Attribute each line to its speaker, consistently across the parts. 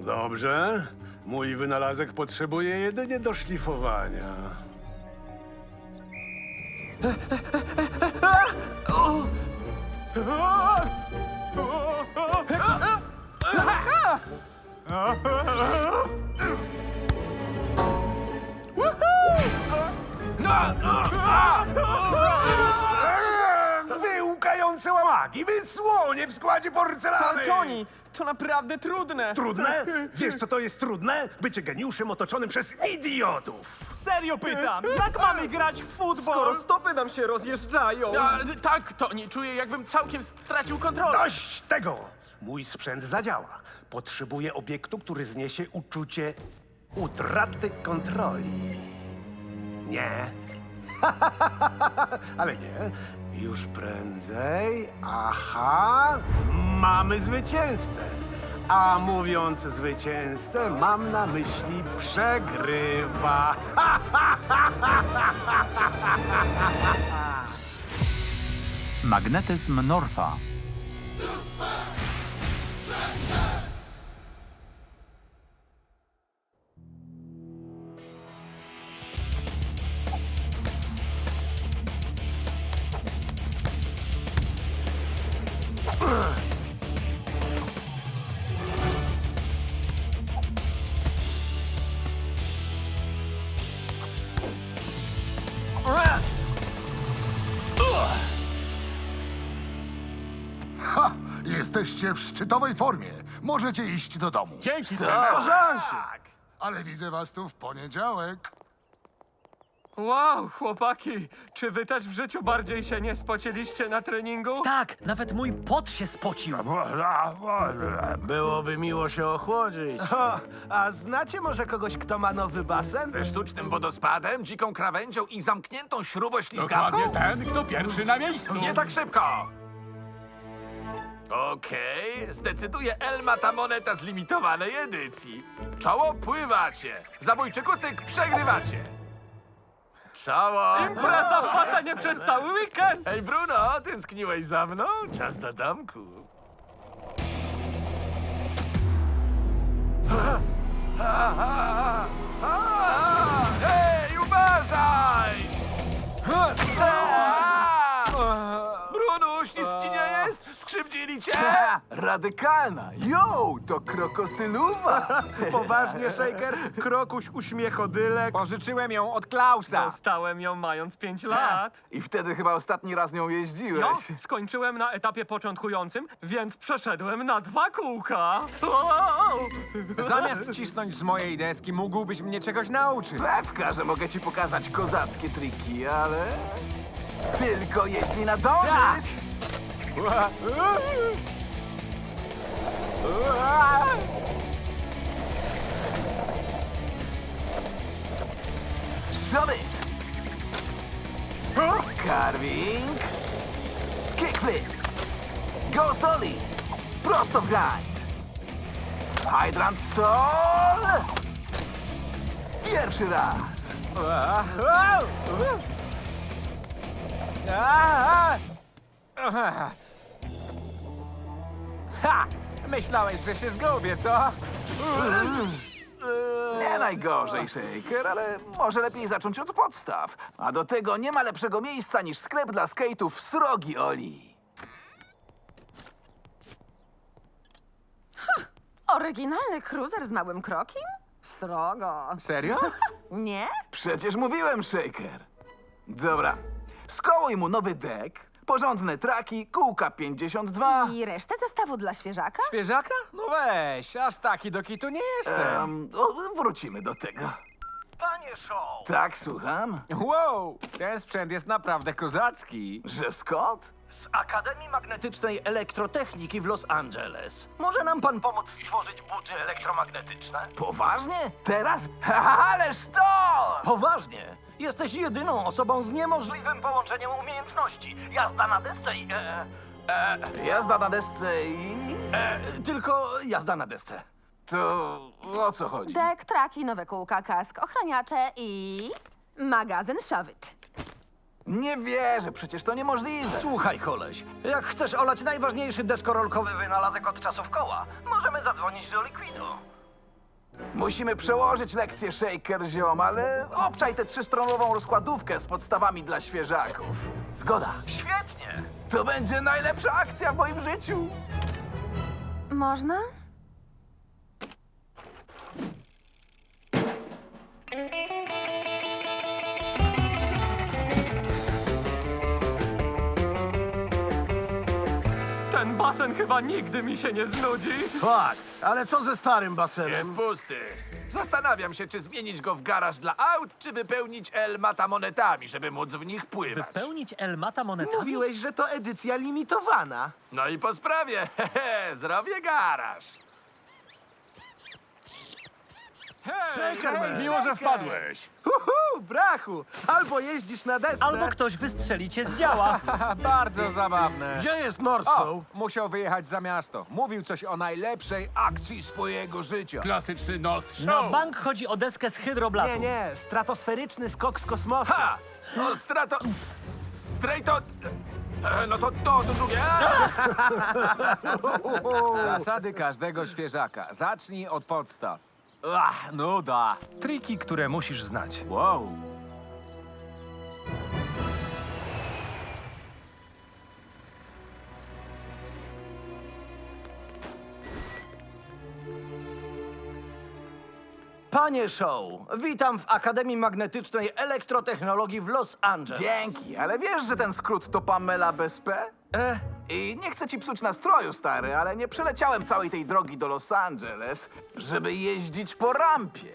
Speaker 1: Dobrze. Mój wynalazek potrzebuje jedynie doszlifowania. Wy łukające łamagi, wy słonie w składzie porcelany!
Speaker 2: Toni, to naprawdę trudne.
Speaker 1: Trudne? Wiesz, co to jest trudne? Bycie geniuszem otoczonym przez idiotów.
Speaker 2: Serio pytam, jak mamy grać w futbol? Skoro stopy nam się rozjeżdżają.
Speaker 3: Tak, Toni, czuję, jakbym całkiem stracił kontrolę.
Speaker 1: Dość tego! Mój sprzęt zadziała. Potrzebuję obiektu, który zniesie uczucie utraty kontroli. Nie. Ale nie. Już prędzej. Aha. Mamy zwycięzcę. A mówiąc zwycięzcę, mam na myśli przegrywa.
Speaker 4: Magnetyzm Northa.
Speaker 5: Ha! Jesteście w szczytowej formie. Możecie iść do domu.
Speaker 3: Dzięki,
Speaker 5: Ale widzę was tu w poniedziałek.
Speaker 2: Wow, chłopaki, czy wy też w życiu bardziej się nie spociliście na treningu?
Speaker 6: Tak, nawet mój pot się spocił.
Speaker 1: Byłoby miło się ochłodzić.
Speaker 7: A znacie może kogoś, kto ma nowy basen?
Speaker 3: Ze sztucznym wodospadem, dziką krawędzią i zamkniętą śruboślizgawką?
Speaker 8: Dokładnie ten, kto pierwszy na miejscu.
Speaker 3: Nie tak szybko! Okej, zdecyduje Elma ta moneta z limitowanej edycji. Czoło pływacie, zabójczy kucyk przegrywacie. Czoło!
Speaker 2: Impreza w basenie przez cały weekend!
Speaker 3: Hej Bruno, tęskniłeś za mną? Czas do domku. Hej, uważaj! Brunuś, nic ci nie jest? Skrzywdzili cię?
Speaker 7: Radykalna! Yo, to krokostyluwa!
Speaker 1: Poważnie, Shaker? Krokuś uśmiechodylek.
Speaker 8: Pożyczyłem ją od Klausa.
Speaker 2: Dostałem ją mając 5 lat.
Speaker 7: I wtedy chyba ostatni raz nią jeździłeś.
Speaker 2: No, skończyłem na etapie początkującym, więc przeszedłem na 2 kółka.
Speaker 8: Zamiast cisnąć z mojej deski, mógłbyś mnie czegoś nauczyć.
Speaker 7: Pewka, że mogę ci pokazać kozackie triki, ale... Tylko jeśli nadążysz! Shove it! Carving. Kickflip. Ghost ollie. Prosto w grind. Hydrant stall. Pierwszy raz.
Speaker 8: Ha! Myślałeś, że się zgubię, co?
Speaker 7: Nie najgorzej, Shaker, ale może lepiej zacząć od podstaw. A do tego nie ma lepszego miejsca niż sklep dla skate'ów Srogi Oli.
Speaker 9: Oryginalny cruiser z małym krokiem? Srogo.
Speaker 8: Serio?
Speaker 9: Nie?
Speaker 7: Przecież mówiłem, Shaker. Dobra, skołuj mu nowy dek, porządne traki, kółka 52.
Speaker 9: I resztę zestawu dla świeżaka?
Speaker 8: Świeżaka? No weź, aż taki do kitu nie jestem.
Speaker 7: Wrócimy do tego.
Speaker 10: Panie Show,
Speaker 7: Tak, słucham?
Speaker 8: Wow, ten sprzęt jest naprawdę kozacki.
Speaker 7: Że Scott?
Speaker 10: z Akademii Magnetycznej Elektrotechniki w Los Angeles. Może nam pan pomóc stworzyć buty elektromagnetyczne?
Speaker 7: Poważnie? Teraz? Ależ to!
Speaker 10: Poważnie! Jesteś jedyną osobą z niemożliwym połączeniem umiejętności. Jazda na desce i...
Speaker 7: Jazda na desce i...
Speaker 10: tylko jazda na desce.
Speaker 7: To o co chodzi?
Speaker 9: Dek, traki, nowe kółka, kask, ochraniacze i... magazyn Shove It.
Speaker 7: Nie wierzę, przecież to niemożliwe.
Speaker 10: Słuchaj, koleś, jak chcesz olać najważniejszy deskorolkowy wynalazek od czasów koła, możemy zadzwonić do Liquidu.
Speaker 7: Musimy przełożyć lekcję Shaker, ziom, ale obczaj tę trzystronową rozkładówkę z podstawami dla świeżaków. Zgoda.
Speaker 10: Świetnie!
Speaker 7: To będzie najlepsza akcja w moim życiu.
Speaker 9: Można?
Speaker 2: Ten basen chyba nigdy mi się nie znudzi.
Speaker 10: Fakt, ale co ze starym
Speaker 3: Jest
Speaker 10: basenem?
Speaker 3: pusty. Zastanawiam się, czy zmienić go w garaż dla aut, czy wypełnić Elmata monetami, żeby móc w nich pływać.
Speaker 6: Wypełnić Elmata monetami?
Speaker 10: Mówiłeś, że to edycja limitowana.
Speaker 3: No i po sprawie. Hehe, zrobię garaż.
Speaker 10: Shaker,
Speaker 1: Miło, że wpadłeś.
Speaker 10: brachu! Albo jeździsz na desce...
Speaker 6: Albo ktoś wystrzeli cię z działa.
Speaker 8: Bardzo zabawne.
Speaker 10: Gdzie jest Northshow?
Speaker 8: O, musiał wyjechać za miasto. Mówił coś o najlepszej akcji swojego życia.
Speaker 1: Klasyczny North Show.
Speaker 6: Na bank chodzi o deskę z hydroblatu.
Speaker 10: Nie, stratosferyczny skok z kosmosu.
Speaker 3: Ha! O, strato... Strejto... No to drugie.
Speaker 8: Zasady każdego świeżaka. Zacznij od podstaw. Ach, nuda.
Speaker 4: Triki, które musisz znać.
Speaker 8: Wow.
Speaker 10: Panie Show, witam w Akademii Magnetycznej Elektrotechnologii w Los Angeles.
Speaker 7: Dzięki, ale wiesz, że ten skrót to Pamela bez P? I nie chcę ci psuć nastroju, stary, ale nie przeleciałem całej tej drogi do Los Angeles, żeby jeździć po rampie.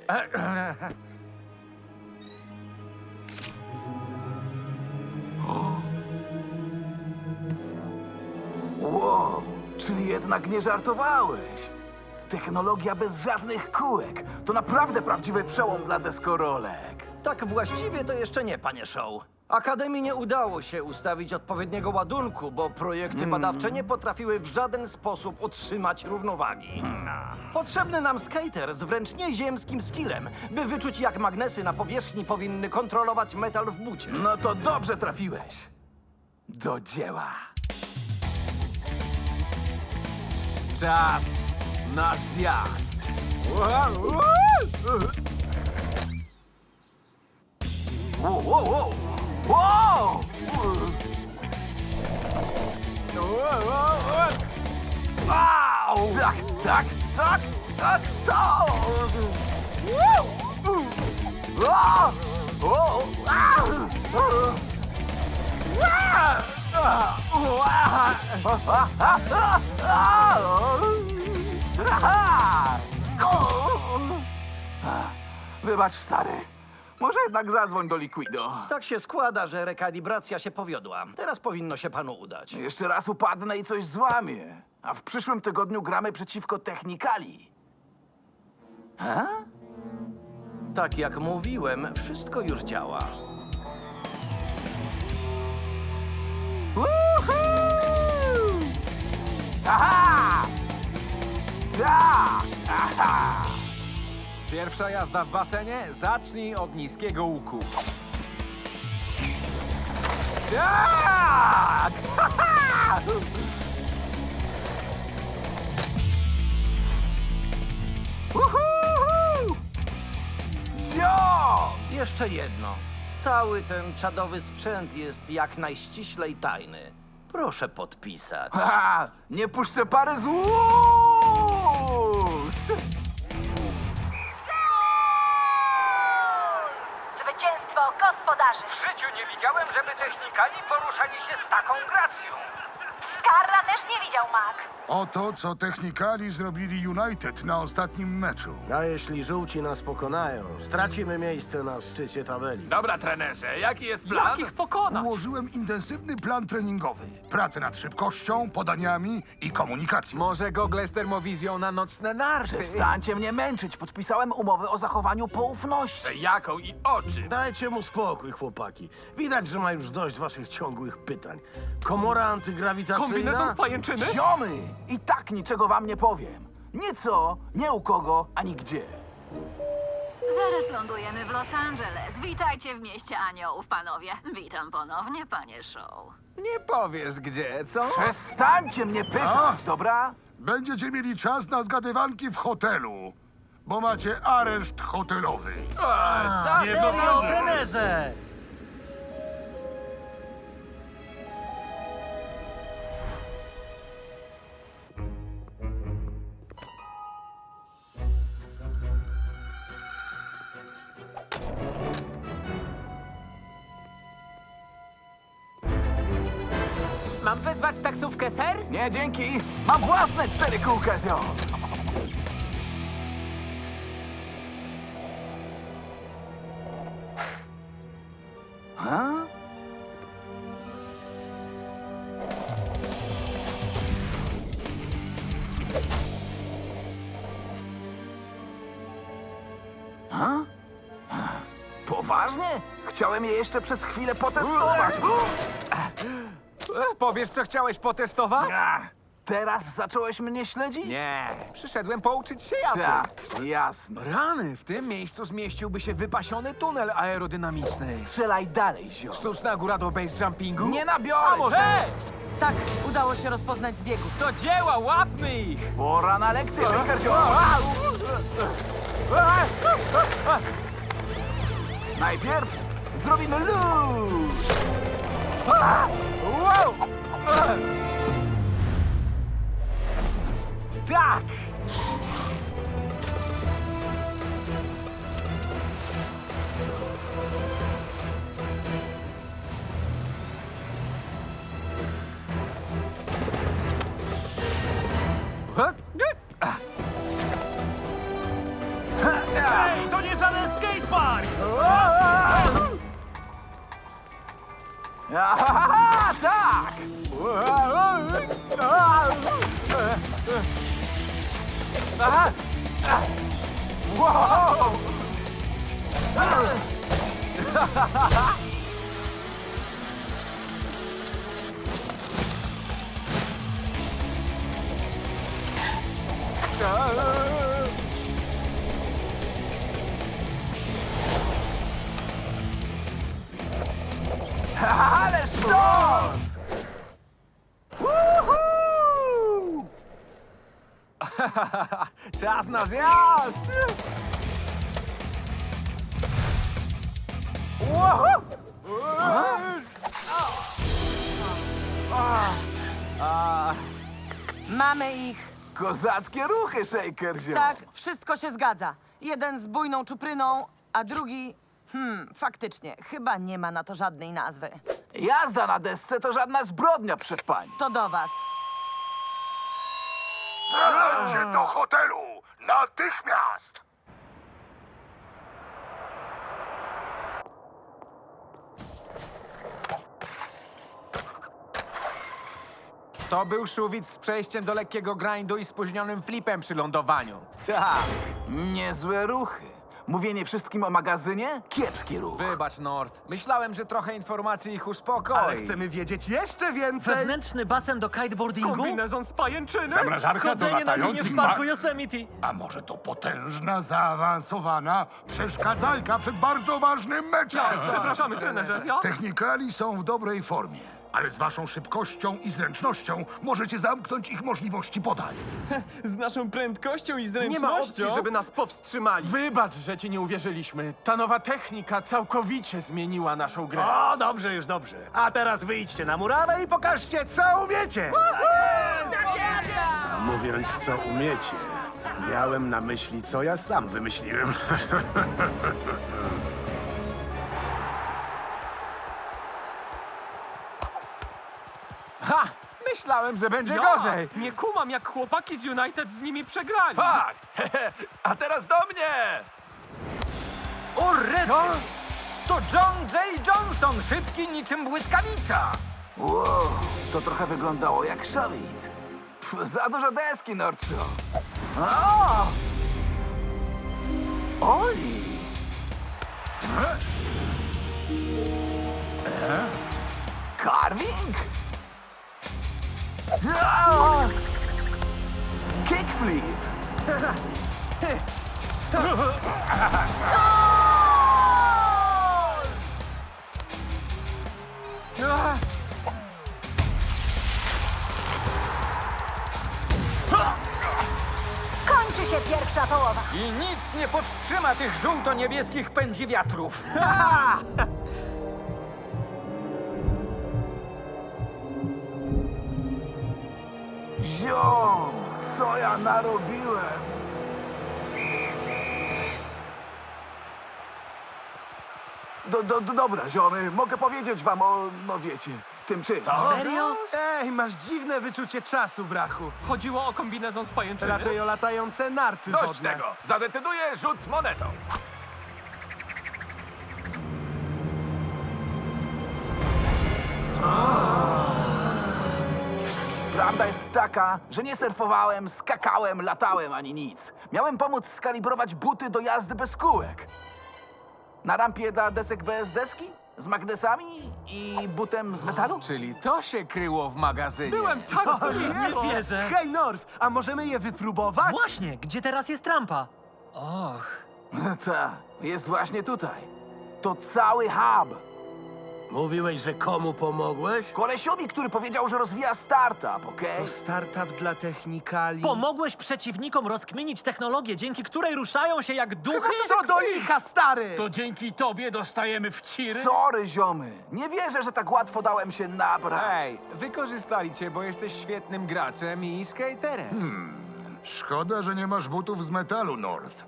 Speaker 7: Wow, czyli jednak nie żartowałeś. Technologia bez żadnych kółek. To naprawdę prawdziwy przełom dla deskorolek.
Speaker 10: Tak właściwie to jeszcze nie, panie Show. Akademii nie udało się ustawić odpowiedniego ładunku, bo projekty badawcze nie potrafiły w żaden sposób utrzymać równowagi. Potrzebny nam skater z wręcz nieziemskim skillem, by wyczuć, jak magnesy na powierzchni powinny kontrolować metal w bucie.
Speaker 7: No to dobrze trafiłeś. Do dzieła.
Speaker 8: Czas na zjazd.
Speaker 7: Wow, wow, wow! Wow! Wow! Tak, tak, tak, tak, tak! Wow! Wow! Wybacz, stary. Może jednak zadzwoń do Liquido.
Speaker 10: Tak się składa, że rekalibracja się powiodła. Teraz powinno się panu udać.
Speaker 7: Jeszcze raz upadnę i coś złamię. A w przyszłym tygodniu gramy przeciwko Technikali.
Speaker 10: Tak jak mówiłem, wszystko już działa.
Speaker 7: Woohoo! Aha! Tak! Aha!
Speaker 8: Pierwsza jazda w basenie? Zacznij od niskiego łuku.
Speaker 7: Tak! Woohoo! Zio!
Speaker 10: Jeszcze jedno. Cały ten czadowy sprzęt jest jak najściślej tajny. Proszę podpisać.
Speaker 7: Ha! Nie puszczę pary z ust!
Speaker 9: Zwycięstwo gospodarzy!
Speaker 4: W życiu nie widziałem, żeby technikali poruszali się z taką gracją.
Speaker 9: Skarra też nie widział, Mac.
Speaker 5: Oto, co Technikali zrobili United na ostatnim meczu.
Speaker 10: A jeśli żółci nas pokonają, stracimy miejsce na szczycie tabeli.
Speaker 3: Dobra, trenerze, jaki jest plan?
Speaker 2: Jak ich pokonać?
Speaker 5: Ułożyłem intensywny plan treningowy. Pracę nad szybkością, podaniami i komunikacją.
Speaker 8: Może gogle z termowizją na nocne narty?
Speaker 7: Przestańcie mnie męczyć. Podpisałem umowę o zachowaniu poufności.
Speaker 3: Jaką i o czym?
Speaker 10: Dajcie mu spokój, chłopaki. Widać, że ma już dość waszych ciągłych pytań. Komora antygrawitacyjna...
Speaker 2: Kombinezon w pajęczyny?
Speaker 7: Ziomy! I tak niczego wam nie powiem. Nie co, nie u kogo, ani gdzie.
Speaker 11: Zaraz lądujemy w Los Angeles. Witajcie w mieście aniołów, panowie. Witam ponownie, panie Show.
Speaker 8: Nie powiesz gdzie, co?
Speaker 7: Przestańcie mnie pytać, dobra?
Speaker 5: Będziecie mieli czas na zgadywanki w hotelu. bo macie areszt hotelowy.
Speaker 6: Serio, trenerze!
Speaker 8: Mam wezwać taksówkę, ser?
Speaker 7: Nie, dzięki. Mam własne 4 kółka, zio. Ha? Ha? Poważnie? Chciałem je jeszcze przez chwilę potestować.
Speaker 8: Powiesz, co chciałeś potestować?
Speaker 7: Teraz zacząłeś mnie śledzić?
Speaker 8: Nie, przyszedłem pouczyć się jazdy.
Speaker 7: Tak, jasne.
Speaker 8: Rany, w tym miejscu zmieściłby się wypasiony tunel aerodynamiczny.
Speaker 7: Strzelaj dalej, zio.
Speaker 8: Sztuczna góra do base jumpingu?
Speaker 7: Nie nabiorę
Speaker 8: A może?
Speaker 7: się.
Speaker 9: Tak, udało się rozpoznać zbiegów.
Speaker 8: Do dzieła, łapmy ich!
Speaker 7: Pora na lekcję, Shaker, zio. Najpierw zrobimy luz.
Speaker 8: Wow! Tak!
Speaker 10: Ej, to nie żaden skatepark!
Speaker 7: Aha, tak! Wow! Ale sztos! Woohoo!
Speaker 8: Czas na zjazd!
Speaker 7: Woohoo!
Speaker 9: Mamy ich.
Speaker 7: Kozackie ruchy, Shaker, zio.
Speaker 9: Tak, wszystko się zgadza. Jeden z bujną czupryną, a drugi... faktycznie, chyba nie ma na to żadnej nazwy.
Speaker 7: Jazda na desce to żadna zbrodnia przed pani.
Speaker 9: To do was.
Speaker 5: Wracajcie do hotelu! Natychmiast!
Speaker 8: To był szuwic z przejściem do lekkiego grindu i spóźnionym flipem przy lądowaniu.
Speaker 7: Tak, niezłe ruchy. Mówienie wszystkim o magazynie? Kiepski ruch.
Speaker 8: Wybacz, Nord. Myślałem, że trochę informacji ich uspokoi.
Speaker 10: Ale chcemy wiedzieć jeszcze więcej.
Speaker 6: Wewnętrzny basen do kiteboardingu?
Speaker 2: Kombinezon z pajęczyny?
Speaker 1: Zamrażarka do
Speaker 6: Chodzenie na linie
Speaker 1: latających
Speaker 6: w parku Yosemite.
Speaker 5: A może to potężna, zaawansowana przeszkadzajka przed bardzo ważnym meczem?
Speaker 2: Przepraszamy, trenerze. Ja?
Speaker 5: Technikali są w dobrej formie, ale z waszą szybkością i zręcznością możecie zamknąć ich możliwości podań.
Speaker 10: Z naszą prędkością i
Speaker 2: Nie
Speaker 10: zręcznością.
Speaker 2: ma opcji, żeby nas powstrzymali.
Speaker 3: Wybacz, że ci nie uwierzyliśmy. Ta nowa technika całkowicie zmieniła naszą grę.
Speaker 10: O, dobrze, już dobrze. A teraz wyjdźcie na murawę i pokażcie, co umiecie.
Speaker 1: Mówiąc, co umiecie, miałem na myśli, co ja sam wymyśliłem.
Speaker 8: Ha! Myślałem, że będzie
Speaker 2: Ja
Speaker 8: gorzej.
Speaker 2: nie kumam, jak chłopaki z United z nimi przegrali.
Speaker 3: Fakt! A teraz do mnie!
Speaker 4: O, rety!
Speaker 8: Co?
Speaker 4: To John J. Johnson, szybki niczym błyskawica!
Speaker 7: Wow, to trochę wyglądało jak szawic. Za dużo deski, Nordshaw. O! Oli! Carving? Kickflip!
Speaker 9: Kończy
Speaker 12: się pierwsza połowa.
Speaker 4: I nic nie powstrzyma tych żółto-niebieskich pędziwiatrów.
Speaker 7: Ziom, co ja narobiłem? Dobra, ziomy, mogę powiedzieć wam o, no wiecie, tym czymś.
Speaker 6: Serio?
Speaker 10: Ej, masz dziwne wyczucie czasu, brachu.
Speaker 2: Chodziło o kombinezon z pajęczyny?
Speaker 10: Raczej o latające narty
Speaker 3: Dość
Speaker 10: wodne.
Speaker 3: tego! Zadecyduje rzut monetą.
Speaker 7: Prawda jest taka, że nie surfowałem, skakałem, latałem ani nic. Miałem pomóc skalibrować buty do jazdy bez kółek. Na rampie dla desek bez deski? Z magnesami i butem z metalu?
Speaker 8: Czyli to się kryło w magazynie.
Speaker 2: Byłem tak
Speaker 6: Nie wierzę.
Speaker 10: Hej, Norf, a możemy je wypróbować?
Speaker 6: Właśnie, gdzie teraz jest rampa? Och.
Speaker 7: Ta, jest właśnie tutaj. To cały hub.
Speaker 10: Mówiłeś, że komu pomogłeś?
Speaker 7: Kolesiowi, który powiedział, że rozwija startup, okej?
Speaker 10: To startup dla technikali.
Speaker 6: Pomogłeś przeciwnikom rozkminić technologię, dzięki której ruszają się jak duchy?
Speaker 10: Co do licha, stary!
Speaker 4: To dzięki tobie dostajemy w ciry?
Speaker 7: Sorry, ziomy. Nie wierzę, że tak łatwo dałem się nabrać.
Speaker 8: Ej, wykorzystali cię, bo jesteś świetnym graczem i skaterem.
Speaker 5: Szkoda, że nie masz butów z metalu, North.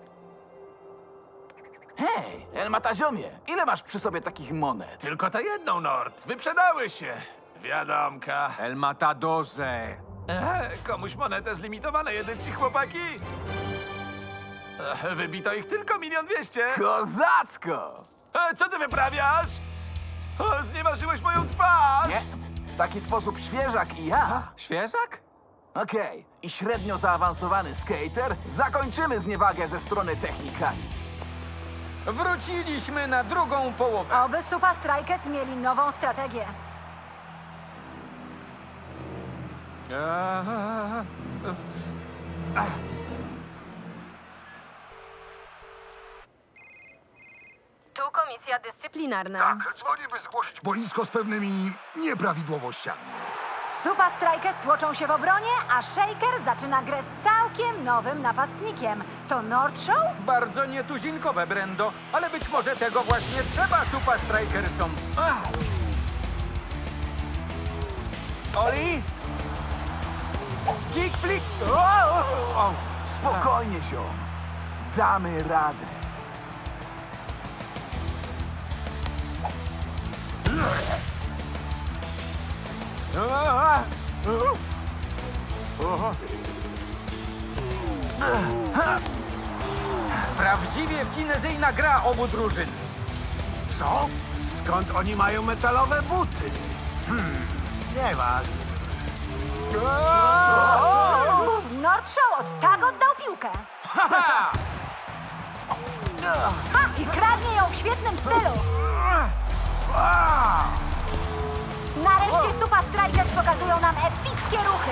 Speaker 7: Hej, Elmata ziomie, ile masz przy sobie takich monet?
Speaker 3: Tylko tę jedną, Nord. Wyprzedały się. Wiadomka.
Speaker 8: El Matadorze.
Speaker 3: Komuś monetę z limitowanej edycji, chłopaki? Wybito ich tylko 1 200 000.
Speaker 7: Kozacko!
Speaker 3: Co ty wyprawiasz? Znieważyłeś moją twarz!
Speaker 7: Nie, w taki sposób świeżak i ja.
Speaker 8: Świeżak?
Speaker 7: Okej, i średnio zaawansowany skater zakończymy zniewagę ze strony technikali.
Speaker 4: Wróciliśmy na drugą połowę.
Speaker 12: Oby Supa Strikers mieli nową strategię. Tu komisja dyscyplinarna.
Speaker 5: Tak, dzwonię, by zgłosić boisko z pewnymi nieprawidłowościami.
Speaker 12: Supa Strikers tłoczą się w obronie, a Shaker zaczyna grę z całkiem nowym napastnikiem. To North Show?
Speaker 4: Bardzo nietuzinkowe, Brendo, ale być może tego właśnie trzeba Supa Strikersom.
Speaker 7: Oli?
Speaker 4: Kickflip!
Speaker 7: Spokojnie, ziom. Damy radę.
Speaker 4: Prawdziwie finezyjna gra obu drużyn.
Speaker 10: Co? Skąd oni mają metalowe buty? Nieważne.
Speaker 12: North Show od tak oddał piłkę. Ha! I kradnie ją w świetnym stylu. Nareszcie Supa Strikers pokazują nam epickie ruchy.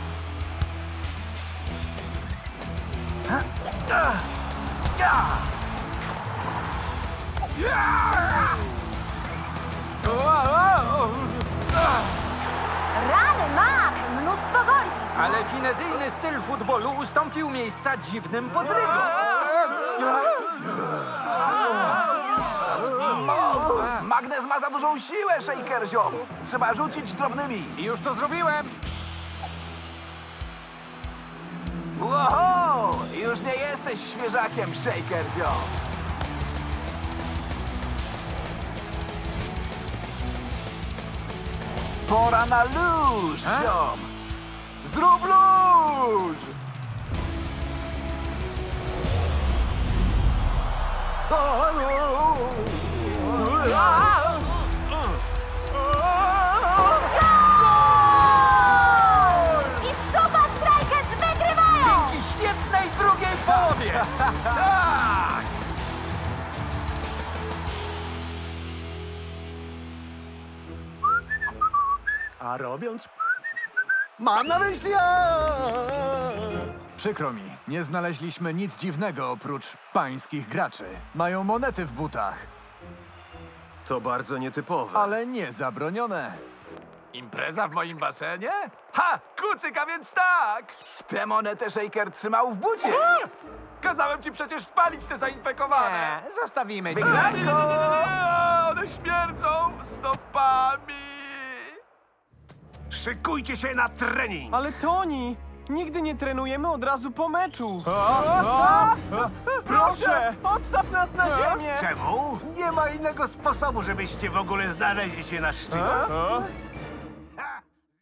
Speaker 12: Rany, Mac! Mnóstwo goli.
Speaker 4: Ale finezyjny styl futbolu ustąpił miejsca dziwnym podrygom.
Speaker 7: Magnes ma za dużą siłę, Shaker, ziom. Trzeba rzucić drobnymi.
Speaker 8: I już to zrobiłem.
Speaker 7: Wow! Już nie jesteś świeżakiem, Shaker, ziom. Pora na luz, ziom. Zrób luz!
Speaker 12: I Supa Strikers wygrywają!
Speaker 4: Dzięki świetnej drugiej połowie.
Speaker 3: Tak!
Speaker 10: A robiąc... Mam na myśli...
Speaker 13: Przykro mi, nie znaleźliśmy nic dziwnego oprócz pańskich graczy. Mają monety w butach,
Speaker 1: To bardzo nietypowe.
Speaker 13: ale nie zabronione.
Speaker 3: Impreza w moim basenie? Ha! Kucyk, a więc tak!
Speaker 7: Tę monetę Shaker trzymał w bucie.
Speaker 3: Kazałem ci przecież spalić te zainfekowane!
Speaker 8: Zostawimy cię.
Speaker 3: Nie, one śmierdzą stopami!
Speaker 1: Szykujcie się na trening!
Speaker 2: Ale Toni, nigdy nie trenujemy od razu po meczu. Proszę, odstaw nas na ziemię.
Speaker 1: Czemu? Nie ma innego sposobu, żebyście w ogóle znaleźli się na szczycie.